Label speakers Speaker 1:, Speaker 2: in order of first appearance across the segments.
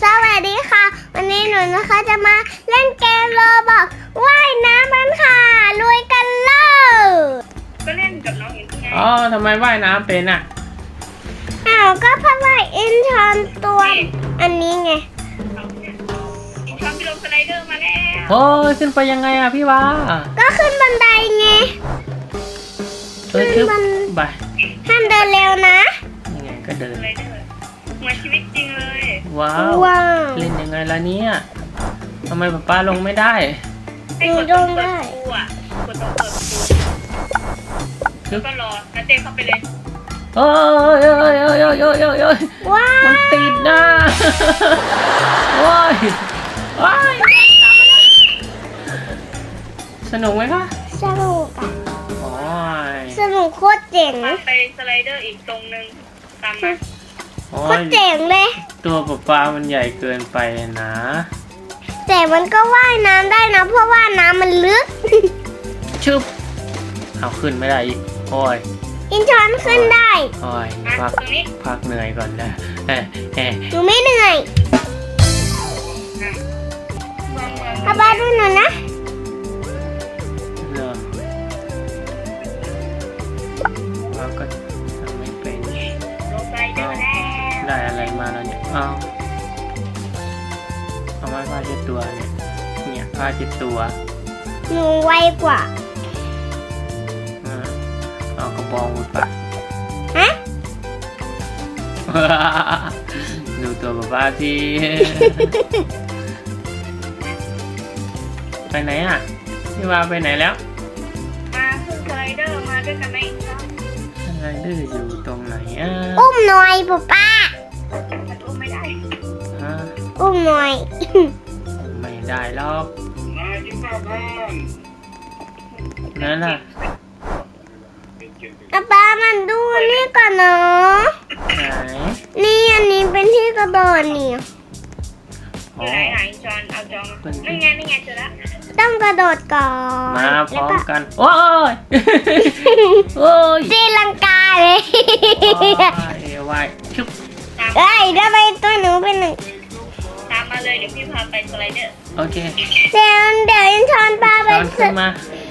Speaker 1: สวัสดีค่ะวันนี้หนูนะคะจะมาเล่นเกมโรบอกว่ายน้ำมันค่ะลุยกันเลย
Speaker 2: ก็เล่นกับน้องอย่างที่ไง
Speaker 3: ทำไมว่ายน้ำเป็นอ่ะ
Speaker 1: ก็เพราะว่าอินชอนตัวอันนี้ไง
Speaker 2: อินชอนไปลงสไลเดอร์มาแล้ว
Speaker 3: โอ้ยขึ้นไปยังไงอ่ะพี่วา
Speaker 1: ก็ขึ้นบันไดไง
Speaker 3: ขึ้นไป
Speaker 1: ห้ามเดินเร็วนะ
Speaker 3: ยังไงก็เดิน
Speaker 2: สไลเดอร์เหมือนชีวิตจริงเลย
Speaker 3: ว้าวเล่นยังไงล่ะเนี่ยทำไมป๊าลงไม่ได้
Speaker 2: ให้กดตรงเปิดประตูอ่ะกดตรงเปิดประตูแล้วก็รอแล้วเต้เข้าไปเลย
Speaker 3: โอ้ยมันติดนะว้ายสนุกไหมคะ
Speaker 1: สนุกอ่ะสนุกโคตรเจ๋ง
Speaker 2: ไปสไลเดอร์อีกตรงนึงตามมา
Speaker 1: โคตรเจ๋งเลย
Speaker 3: ตัวป๊ามันใหญ่เกินไปนะ
Speaker 1: แต่มันก็ว่ายน้ำได้นะเพราะว่าน้ำมันลึก
Speaker 3: ชุบเอาขึ้นไม่ได้อีกโอ้ย
Speaker 1: อินชอนขึ้นได้
Speaker 3: โอ้ยพักเหนื่อยก่อนนะ
Speaker 1: หนูไม่เหนื่อยป๊าดูหนูนะ
Speaker 3: เราก็ทำไม่เป็นได้อะไรมาแล้วเนี่ยเอาไม้ผ้าเช็ดตัวเนี่ยผ้าเช็ดตัว
Speaker 1: หนูไวกว่า
Speaker 3: เอากระบองมุดปะดูตัวป๊าที่ไปไหนอ่ะพี่วาไปไหนแล้ว
Speaker 2: มาขึ้นสไลเดอร์มาด้วยกันไหม
Speaker 3: สไลเดอร์อยู่ตรงไหน
Speaker 1: อุ้มหน่อยป๊า
Speaker 2: มันอุ้มไม่ได้
Speaker 1: อุ้มหน่อย
Speaker 3: ไม่ได้หรอกนั่นน่ะ
Speaker 1: ป๊ามันดูนี่ก่อนเนาะนี่อันนี้เป็นที่กระโดดนี่
Speaker 2: ไหนจอนเอาจอนนี่ไงเจอแล้ว
Speaker 1: ต้องกระโดดก่อน
Speaker 3: มาพร้อมกันโอ้ย
Speaker 1: ตีลังกาเลย
Speaker 3: ว่ายชุบ
Speaker 1: ทำไมตัวหนูเป็นหนึ่ง
Speaker 2: ตามมาเลยเดี๋ยวพี่พาไปสไลเดอร์
Speaker 3: โอเค
Speaker 1: เดี๋ยวอินชอนพาไป
Speaker 3: ขึ้นมา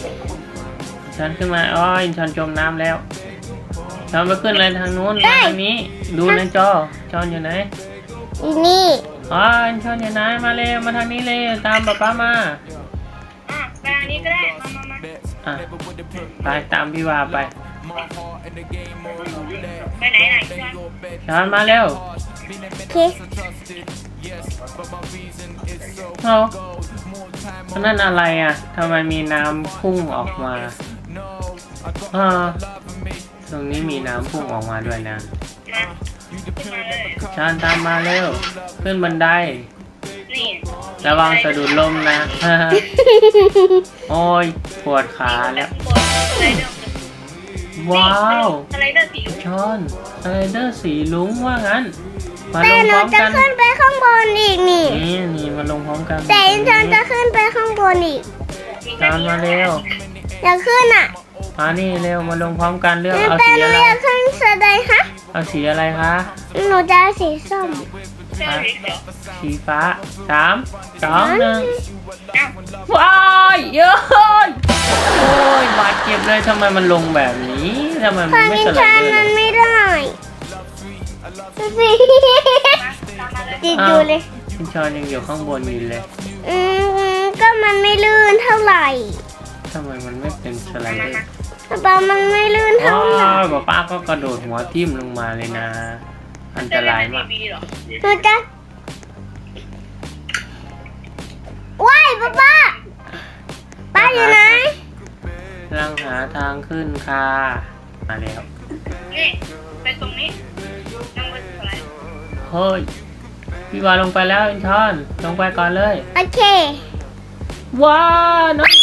Speaker 3: อินชอนจมน้ำแล้วชอนไปขึ้นอะไรทางนู้นทางนี้ดูในจอชอนอยู่ไหน
Speaker 1: นี่
Speaker 3: อินชอนอยู่ไหนมาเลยมาทางนี้เลยตามป๊ามา
Speaker 2: ไปทางนี้ก็ได้มา
Speaker 3: ไปตามพี่วาไป
Speaker 2: ไหน
Speaker 3: ชอนมาเร็วนั่นอะไรอ่ะทำไมมีน้ำพุ่งออกมาตรงนี้มีน้ำพุ่งออกมาด้วยนะชอนตามมาเร็วขึ้นบันไดระวังสะดุดล้มนะโอ้ยปวดขาแล้วว้าวชอนสไลเดอร์สีลุ้งว่างั้นมาลงพร้อมกัน
Speaker 1: แต่หนูจะขึ้นไปข้างบนอีกนี่
Speaker 3: มาลงพร้อมกัน
Speaker 1: แต่อินชอนจะขึ้นไปข้างบนอีก
Speaker 3: ชอนมาเร็ว
Speaker 1: อยากขึ้นอ่ะ
Speaker 3: นี่เร็วมาลงพร้อมกันเลือกเอาสีอะไร
Speaker 1: ขึ้นสไลด์คะ
Speaker 3: เอาสีอะไรคะ
Speaker 1: หนูจะเอาสีส้ม
Speaker 3: สีฟ้า3 2 1ว้ายเยอะโอ้ยบาดเจ็บเลยทำไมมันลงแบบนี้ทำไมมันไม่สไลด์
Speaker 1: มันไม่ได้ติดอยู่เลย
Speaker 3: อินชอนยังอยู่ข้างบนอยู่เลย
Speaker 1: ก็มันไม่ลื่นเท่าไหร่
Speaker 3: ทำไมมันไม่เป็นสไลเดอร์
Speaker 1: ป๊ามันไม่ลื่นเท่าไหร่
Speaker 3: ป้าก็กระโดดหัวทิ่มลงมาเลยนะอันตรายมาก
Speaker 1: หนูจะว้ายป้าอยู่ไหน
Speaker 3: กำลังหาทางขึ้นค่ะมาแล้ว
Speaker 2: นี่ไปตรงนี้นั่งบนสไลด์
Speaker 3: เฮ้ยพี่วาลงไปแล้วอินชอนลงไปก่อนเลย
Speaker 1: โอเค
Speaker 3: ว้าน้อง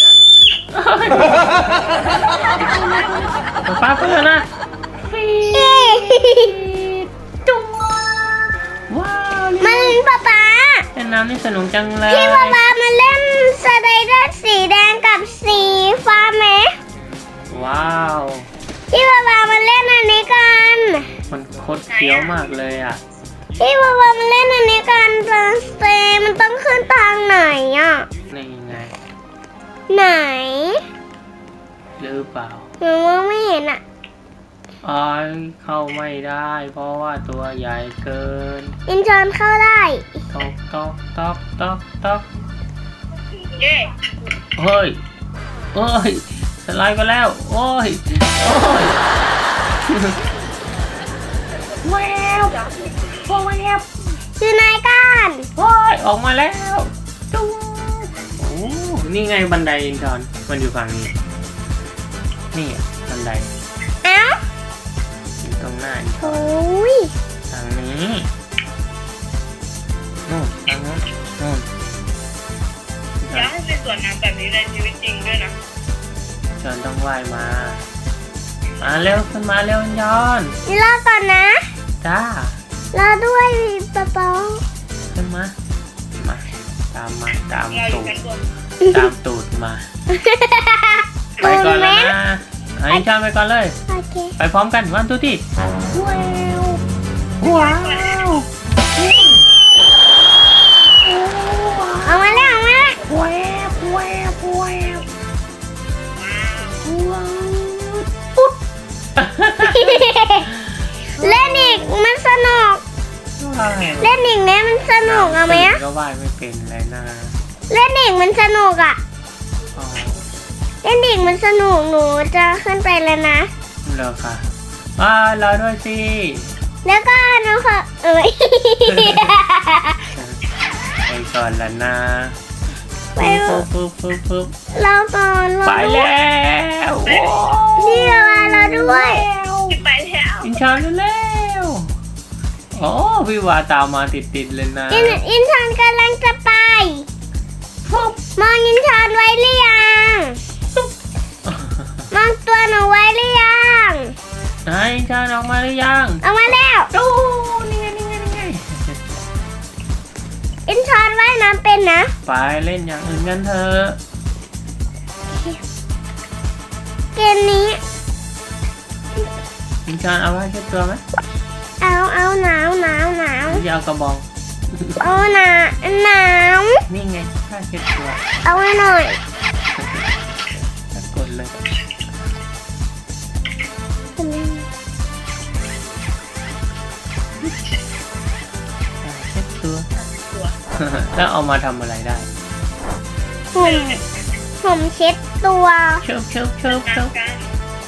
Speaker 3: ป้าเพื่อนนะ
Speaker 1: จุ๊บ
Speaker 3: ว้าว
Speaker 1: มันป๊า
Speaker 3: เล่นน้ำนี่สนุกจังเลย
Speaker 1: พี่ป๊ามาเล่นสไลเดอร์สีแดงกับสีฟ้าไหม
Speaker 3: ว้าว
Speaker 1: พี่ป๊ามาเล่นอันนี้กัน
Speaker 3: มันโคตรเฟี้ยวมากเลยอ่ะ
Speaker 1: พี่วาวามาเล่นอันนี้กันเป็น
Speaker 3: เปล่า
Speaker 1: หนูมองไม่เห็นอ่ะ
Speaker 3: อ้ายเข้าไม่ได้ เพราะว่าตัวใหญ่เกิน
Speaker 1: อินชอนเข้าได้
Speaker 3: ตอกตอกตอกตอกตอก
Speaker 2: เย้
Speaker 3: เฮ้ยเอ้ยสไลด์ไปแล้วโอ้ยโอ้ยแววโอ้แวว
Speaker 1: คือนายก้าน
Speaker 3: โอ้ยออกมาแล้วจุ๊งโอ้นี่ไงบันไดอินทอนมันอยู่ฝั่งนี้นี่อะบันได
Speaker 1: เอ้า
Speaker 3: อยู่ตรงหน้าอินทอน
Speaker 1: โอ้ย
Speaker 3: ทางนี้นู่นทางนู้นนู่น
Speaker 2: อยากให้เป็นส่วนน้ำแบบนี้ในชีวิตจริงด้วยนะ
Speaker 3: จอนต้องว่ายมา มาเร็วขึ้นมาเร็วจอน
Speaker 1: นี่รอก่อนนะ
Speaker 3: จ้าร
Speaker 1: อด้วยป๊าป๊า
Speaker 3: ขึ้นมา มา ตามมาตาม
Speaker 2: เราอยู่
Speaker 3: ตูด
Speaker 2: ชั้นบน
Speaker 3: ตามตูดมา ไปก่อนแล้วนะไอ้จอนไปก่อนเลย
Speaker 1: โอเค
Speaker 3: ไปพร้อมกันวันทุกที่ว้าว
Speaker 1: เอามาแล้วเอามาแล้ว
Speaker 3: แวบแวบแวบ
Speaker 2: ว้าว
Speaker 3: ว้าวปุ๊บ
Speaker 1: เล่นอีกมันสนุก เล่นอีกเนี่ยมันสนุกเอาไหมอะ
Speaker 3: ก็ว่ายไม่เป็นเลยนะ
Speaker 1: เล่นอีกมันสนุกอ่ะ
Speaker 3: อ๋อ
Speaker 1: เล่นอีกมันสนุกหนูจะขึ้นไปแล้วนะ
Speaker 3: เหรอคะอ่ารอด้วยสิ
Speaker 1: แล้วก็หนูขอ
Speaker 3: ไปก่อนแล้วนะ
Speaker 1: ไป
Speaker 3: ปึ๊บปึ๊บปึ๊บปึ๊บ
Speaker 1: เราก่อนเรา
Speaker 3: ไปแล้วโอ้
Speaker 1: นี่เรามาเราด้วย
Speaker 2: ไปแล้ว
Speaker 3: อินชอนเร็วๆโอ้พี่วาตามมาติดๆเลยนะ
Speaker 1: อินทอนกำลังจะไปมองอินทอนไว้หรือยังมองตัวหนูไว้หรือยัง
Speaker 3: ไหนอินชอนออกมาหรือยัง
Speaker 1: เอามาแล้ว
Speaker 3: ดูนี่ไงนี่ไงนี่ไง
Speaker 1: อินทอนว่ายน้ำเป็นนะ
Speaker 3: ไปเล่นอย่างอื่นกันเถอะ
Speaker 1: เกมนี้
Speaker 3: อินชอนเอาไว้เช็ดตัวไหม
Speaker 1: เอาหนาวหนาวหนาว
Speaker 3: หรือจะเอากระบอง
Speaker 1: เอาหนาวหนาว
Speaker 3: นี่ไงผ้าเช็ดตัว
Speaker 1: เอาไว้หน่อย
Speaker 3: กดเลยผ้าเช็ดตัว
Speaker 2: ตัว
Speaker 3: แล้วเอามาทำอะไรได้
Speaker 1: ผมเช็ดตัว
Speaker 3: เชิบเชิบเชิบเชิบ
Speaker 2: น้ำกัน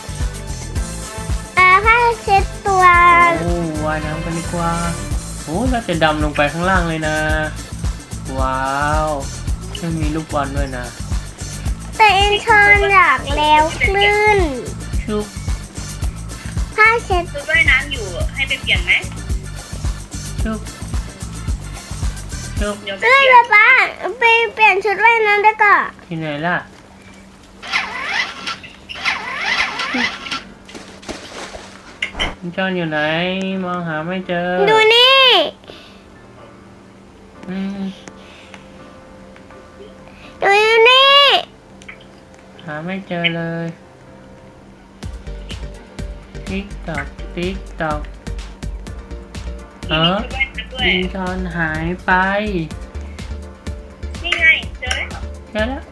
Speaker 1: ผ้าเช็ดตัว
Speaker 3: โอ้ว่ายน้ำกันดีกว่าโอ้เราจะดำลงไปข้างล่างเลยนะ ว้าวไม่มีลูกบอลด้วยนะ
Speaker 1: แต่อินทอนอยากแล้วคลื่น
Speaker 3: ชุบ
Speaker 1: ผ้าเช็ด
Speaker 2: ชุดว่ายน้ำอยู่ให้ไปเปลี่ยนไหม
Speaker 3: ชุบชุบ
Speaker 2: เดี๋ยวไป
Speaker 1: เอ้ย
Speaker 2: เปลี่ยน
Speaker 1: ป๊าไปเปลี่ยนชุดว่ายน้ำได้ก่อน
Speaker 3: ที่ไหนล่ะคุณจอนอยู่ไหน มองหาไม่เจอ
Speaker 1: ดูนี่
Speaker 3: อืม
Speaker 1: ดูนี่
Speaker 3: หาไม่เจอเลยติ๊กตอกติ๊กตอกเออ
Speaker 2: ชุดว่ายน้ำด้วย
Speaker 3: คุณจอนหายไป
Speaker 2: นี่ไงเจอแล้ว
Speaker 3: เจอแล้ว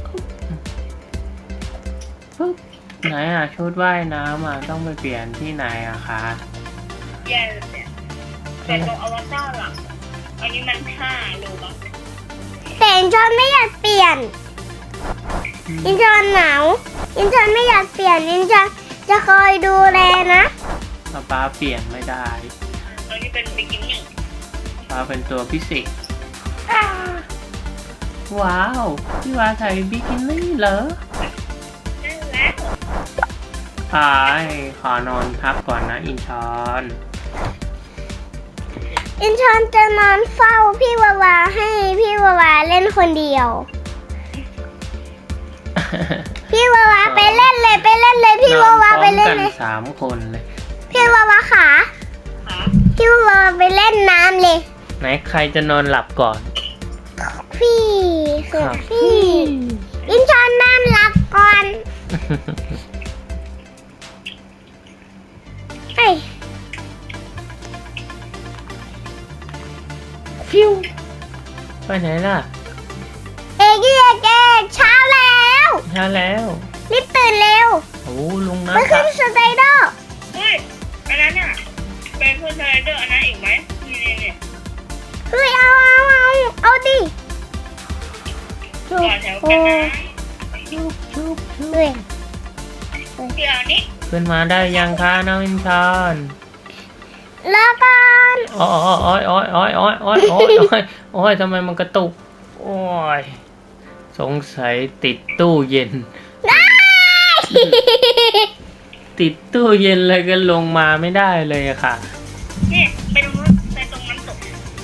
Speaker 3: ปุ๊บไหนอ่ะชุดว่ายน้ำอ่ะต้องไปเปลี่ยนที่ไหนอะคะ
Speaker 2: แย่เลยเนี่ยแต่ตรงอวตารหลังอันนี้มัน5 โลบัค
Speaker 1: แต่อินทอนไม่อยากเปลี่ยน อินทอนหนาวอินทอนไม่อยากเปลี่ยนอินทอนจะคอยดูแลนะ
Speaker 3: ป้าเปลี่ยนไม่ได้
Speaker 2: อันนี้เป็นบิกินี่
Speaker 3: ป้าเป็นตัวพิเศษว้าวพี่วาใส่บิกินี่เหรอ
Speaker 2: นั่นแหละ
Speaker 3: ขอนอนพักก่อนนะอินชอน
Speaker 1: อินทอนจะนอนเฝ้าพี่วาวาให้พี่วาวาเล่นคนเดียว พี่วาวาไปเล่นเลยพี่วาวาไปเล่น
Speaker 3: นอนพร้อม
Speaker 1: เล
Speaker 3: กั
Speaker 1: ย
Speaker 3: 3 คนเลย
Speaker 1: พี่วาวาขา
Speaker 2: ขา
Speaker 1: พี่วาวาไปเล่นน้ำเลย
Speaker 3: ไหนใครจะนอนหลับก่อน
Speaker 1: พี่คือพี่ อินทอนนอนหลับก่อนเอ้ย
Speaker 3: ฟิวไปไหนล่ะ
Speaker 1: เอกเช้าแล้ว
Speaker 3: ช้าแล้ว
Speaker 1: รีบตื่นเร็ว
Speaker 3: โอ้ลง
Speaker 1: ไป
Speaker 3: น้ำ
Speaker 1: ขึ้นสไลเดอร์
Speaker 2: เฮ้ยอันนั้นเนี่ยเป็นขึ้นสไลเดอร์อันนั้นอีกไหมนี่
Speaker 1: เฮ้ยเอาดิ
Speaker 2: ต่อแถวกันนะ
Speaker 1: เฮ้ย
Speaker 2: เดี๋ยวนี้
Speaker 3: ขึ้นมาได้ยังคะน้องอินชอน
Speaker 1: แล้วกัน
Speaker 3: โอ้ยทำไมมันกระตุกโอ้ยสงสัยติดตู้เย็น
Speaker 1: ได้
Speaker 3: ติดตู้เย็นเลยก็ลงมาไม่ได้เลยอะค่ะ
Speaker 2: นี่ไปตรงนู้นไปตรงน้ำตก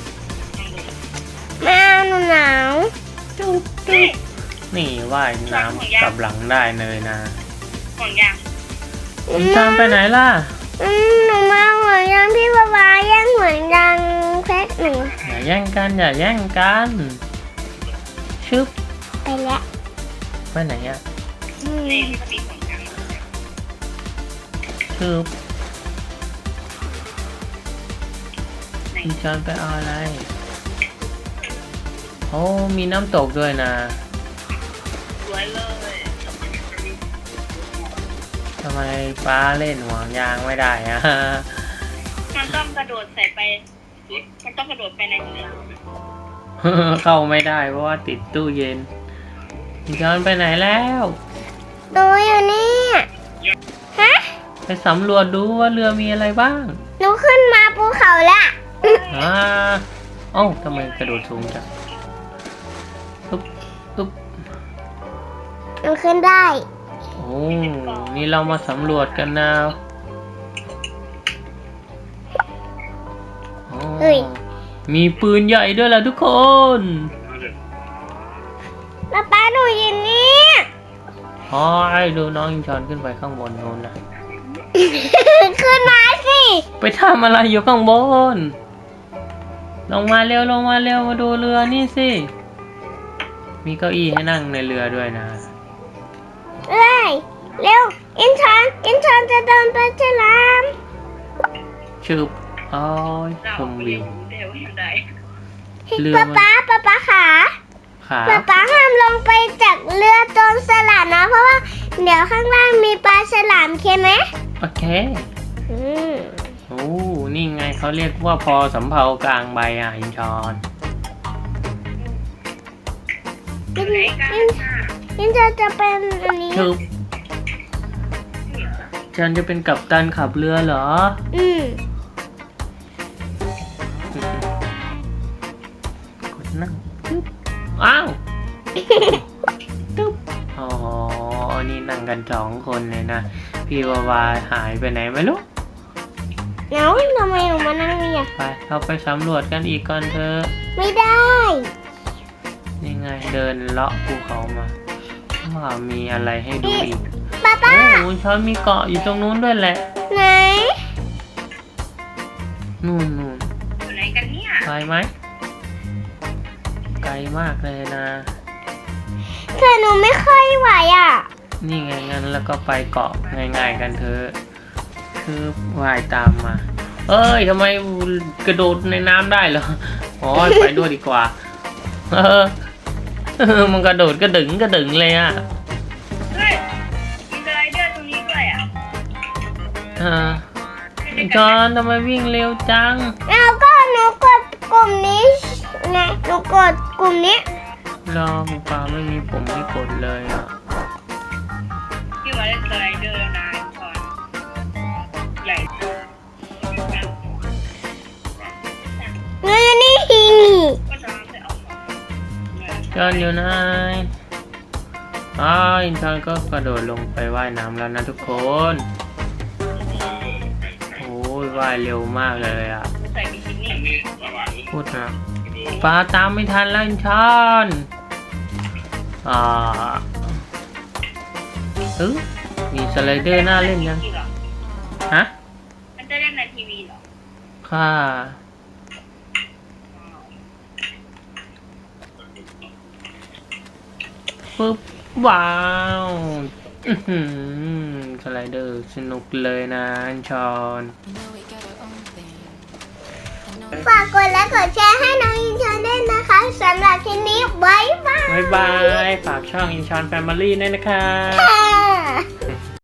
Speaker 1: แม่หนูหนาว
Speaker 2: นี่
Speaker 3: นี่ว่ายน้ำกลับหลังได้เลยนะ
Speaker 2: ห่วงยาง
Speaker 3: อินชอนไปไหนล่ะ
Speaker 1: หนูมาหัวยังพี่บาวาแย่งหัวยังแพ็คหนึ่ง
Speaker 3: อย่าแย่งกันอย่าแย่งกันชึบ
Speaker 1: ไปแล้ว
Speaker 3: ไปไหนอะ
Speaker 2: นี่ที่เขามีห่วงยาง
Speaker 3: ชึบอินชอนไปเอาอะไรโอ้มีน้ำตกด้วยนะ
Speaker 2: สวยเลย
Speaker 3: ทำไมป้าเล่นห่วงยางไม่ได้อะ
Speaker 2: มันต้องกระโดดใส่ไปมันต้องกระโดดไปในเรือ
Speaker 3: เข้าไม่ได้เพราะว่าติดตู้เย็นอินชอนไปไหนแล้ว
Speaker 1: ดูอยู่นี่ฮะ
Speaker 3: ไปสำรวจดูว่าเรือมีอะไรบ้าง
Speaker 1: หนูขึ้นมาภูเขาละ
Speaker 3: เอ้าทำไมกระโดดสูงจังตุ๊บตุ๊บ
Speaker 1: หนูขึ้นได้
Speaker 3: โอ้นี่เรามาสำรวจกันนะอ๋อ
Speaker 1: เฮ้ย
Speaker 3: มีปืนใหญ่ด้วยล่ะทุกคน
Speaker 1: ป้าหนูอยู่นี่
Speaker 3: อ๋อไอ้ดูน้องอินชอนขึ้นไปข้างบนโน้นนะ
Speaker 1: ขึ้นมาสิ
Speaker 3: ไปทำอะไรอยู่ข้างบน ลงมาเร็วมาดูเรือนี่สิ มีเก้าอี้ให้นั่งในเรือด้วยนะ
Speaker 1: เลยเร็วอินชอนจะเดินไปฉลาม
Speaker 3: ชึบอ้อยชมวิว
Speaker 2: เดี๋ยวยังไง
Speaker 3: เรือ
Speaker 1: ป๊า
Speaker 3: มัน
Speaker 1: ป๊าขา
Speaker 3: ขา
Speaker 1: ป๊าห้ามลงไปจากเรือตรงสลัดนะ เพราะว่าเดี๋ยวข้างล่างมีปลาฉลามเคไหม
Speaker 3: โอเค
Speaker 1: อืม
Speaker 3: โอ้นี่ไงเขาเรียกว่าพอสำเภากลางใบอ่ะอินชอน
Speaker 2: ไหนกันน่ะ
Speaker 1: อินจะเป็นอันนี้
Speaker 3: ชึบฉันจะเป็นกัปตันขับเรือเหรอ
Speaker 1: อืม
Speaker 3: กดนั่งตึ๊บอ้าวตึ๊บอ๋อ นี่นั่งกัน2 คนเลยนะ พี่วาวาหายไปไหนไม่รู้
Speaker 1: เอ้าทำไมหนูมานั่งนี่อ่ะ
Speaker 3: ไปเราไปสำรวจกันอีกก่อนเถอะ
Speaker 1: ไม่ได้
Speaker 3: นี่ไงเดินเลาะภูเขามาว่ามีอะไรให้ดูอีก
Speaker 1: ป๊า
Speaker 3: โอ้ช้อนมีเกาะอยู่ตรงนู้นด้วยแหละ
Speaker 1: ไหน
Speaker 3: นู่น
Speaker 2: อยู่ไหนกันเนี่ย
Speaker 3: ไกลไหมไกลมากเลยนะ
Speaker 1: แต่หนูไม่ค่อยไหวอ่ะ
Speaker 3: นี่ไงงั้นแล้วก็ไปเกาะง่ายๆกันเถอะคือว่ายตามมา เอ้ยทำไมกระโดดในน้ำได้เหรออ๋อไปด้วยดีกว่ามันกระโดดกระดึงเลยอ่ะ
Speaker 2: เฮ้ยมีสไลเดอร์ตรงนี้ด้วยอ่ะ
Speaker 3: จอนทำไมวิ่งเร็วจัง
Speaker 1: แล้วก็หนูกดกลุ่มนี้ไงหนูกดกลุ่มนี้
Speaker 3: รอหมูป่าไม่มีผมให้กดเลยอ่ะ
Speaker 2: ที่มาเล่นสไลเดอร์นานก่อนใหญ่
Speaker 1: เงินนี่
Speaker 2: ก็จะไปเอาของ
Speaker 3: จอนอยู่ไหนอินชอนก็กระโดดลงไปว่ายน้ำแล้วนะทุกคน โอ้ยว่ายเร็วมากเลยอ่ะ
Speaker 2: ใส่บิกินี่
Speaker 3: พูดนะปลาตามไม่ทันแล้วอินชอนมีสไลเดอร์น่าเล่นยังฮะ
Speaker 2: มันจะเล่นในทีวีเหรอ
Speaker 3: ค่ะ ปึ๊บว้าวสไลเดอร์สนุกเลยนะอันชอน
Speaker 1: ฝากกดและกดแชร์ให้น้องอินชอนด้วยนะคะสำหรับคลิปนี้บ๊ายบาย
Speaker 3: บ๊ายบาย ฝากช่องอินชอนแฟมิลี่ด้วยนะคะ
Speaker 1: ค่ะ